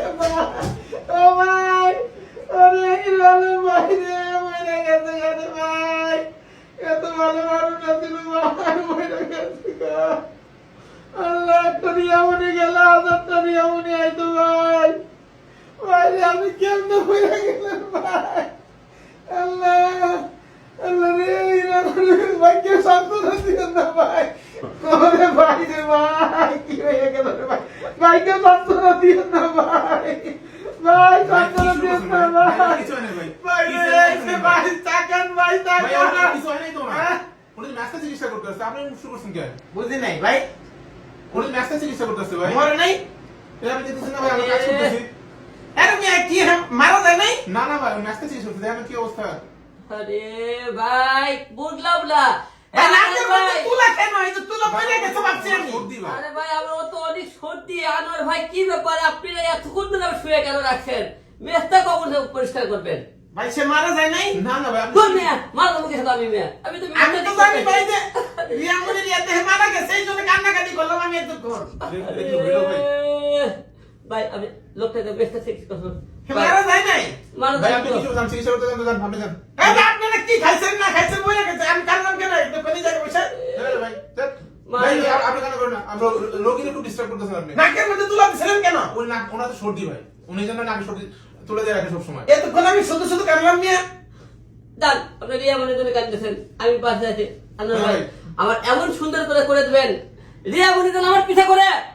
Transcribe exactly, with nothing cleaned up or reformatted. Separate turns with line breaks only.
ও ভাই ওরে লালু ভাই রে মরে গেছে গেছে ভাই এত ভালো মানুষ ছিল ভাই মরে গেছে গো আল্লাহ একটা নিয়ামনি গেল হাজারটা নিয়ামনি আইতো ভাই ভাই রে আমি কেমনে মরে গেলাম ভাই আল্লাহ আল্লাহ রে ভাই কে সান্তনা দিও না ভাই ওরে ভাই রে ভাই কি হয়ে গেল রে ভাই ভাই কে সান্তনা দিও না ভাই ভাই সান্তনা দিও না ভাই
কিছু হয় না ভাই
ভাই রে ভাই তাকান ভাই
ভাই
তাকান
আর কিছু হয় নাই তো না উনি ম্যাচটা চিকিৎসা করতে আসছে আপনি শুরু করছেন কেন
বুঝি নাই ভাই
উনি ম্যাচটা চিকিৎসা করতে আসছে ভাই
মরে নাই
এই আমি দিতেছি না ভাই আমি কাজ করতেছি
আরে মিয়া কি মারা যায় নাই
না না ভাই ম্যাচটা চিকিৎসা করতে দেখেন কি অবস্থা
আরে ভাই বুঝলাম না
ভাই নাকের মধ্যে তুলা কেন এই তো তুলা পড়ে গেছে ভাবছি আমি
সর্দি ভাই
আরে ভাই আমার তো অনেক সর্দি আনোয়ার ভাই কি ব্যাপার আপনি এতক্ষণ ধরে শুয়ে কেন রাখছেন মেস্তা কখন পরিষ্কার করবেন
ভাই সে মারা যায় নাই
না না ভাই আপনি
কোন মেয়ে মারলো মুখে সাথে আমি মেয়ে আমি তো
আমি তো জানি ভাই যে রিয়ামুনের ইয়াতে মারা গেছে এই জন্য কান্নাকাটি করলাম আমি এতক্ষণ
দেখি হইলো ভাই
ভাই আমি লোকটাকে মেস্তা ঠিক করুন
মারা যায় নাই
মারা
ভাই
যায়
আপনি কিছু জান চিকিৎসা করতে জান জান আপনি জান
এই যে আপনারা কি খাইছেন না খাইছেন বলে গেছে আমি কান্নাম কেন একটু কোনি জায়গায় বসে
এই ভাই ধ্যাৎ। ভাই আপনি কেন করেন না আমরা রোগীর একটু ডিস্টার্ব করতেছেন আপনি
নাকের মধ্যে তুলা দিছিলেন কেন
ওই নাক ওনার তো সর্দি ভাই উনি জন্য নাক সর্দি তুলে দিয়ে রাখে সবসময়
এতক্ষণ আমি শুধু শুধু কান্নাম মিয়া
দান আপনি রিয়া মনে করে কাঁদতেছেন আমি পাশে আছি আনোয়ার ভাই
ভাই।
আমার এমন সুন্দর করে করে দিবেন রিয়া মনে আমার পিঠা করে